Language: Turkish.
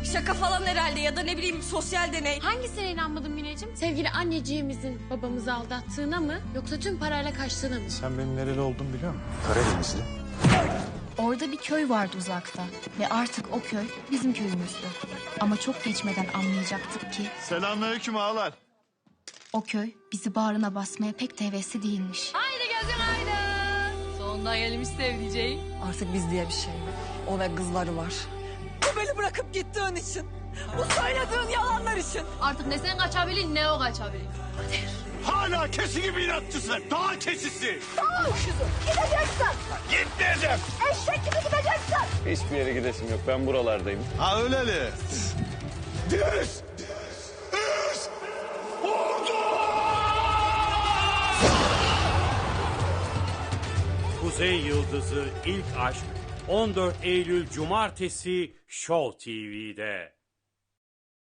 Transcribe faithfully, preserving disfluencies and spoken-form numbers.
Şaka falan herhalde ya da ne bileyim sosyal deney. Hangisine inanmadın Mineciğim? Sevgili anneciğimizin babamızı aldattığına mı yoksa tüm parayla kaçtığına mı? Sen benim nereli olduğumu biliyor musun? Karadenizli. Orada bir köy vardı uzakta ve artık o köy bizim köyümüzdü. Ama çok geçmeden anlayacaktık ki Selamünaleyküm ağalar. o köy bizi bağrına basmaya pek de hevesli değilmiş. Haydi gözüm haydi. Sonunda gelmiş sevdiceğim. Artık biz diye bir şey yok. O ve kızları var. Bu beni bırakıp gittiğin için. Bu söylediğin yalanlar için. Artık ne sen kaçabilin ne o kaçabilin. Hala keçi gibi inatçısın. Dağ keçisi. Tamam kızım. Gideceksin. Gitmeyeceğim. Eşek gibi gideceksin. Hiçbir yere gidesim yok. Ben buralardayım. Ha öyleli. Düz. Düz. Ordu. Kuzey Yıldızı İlk Aşk on dört Eylül Cumartesi Show T V'de.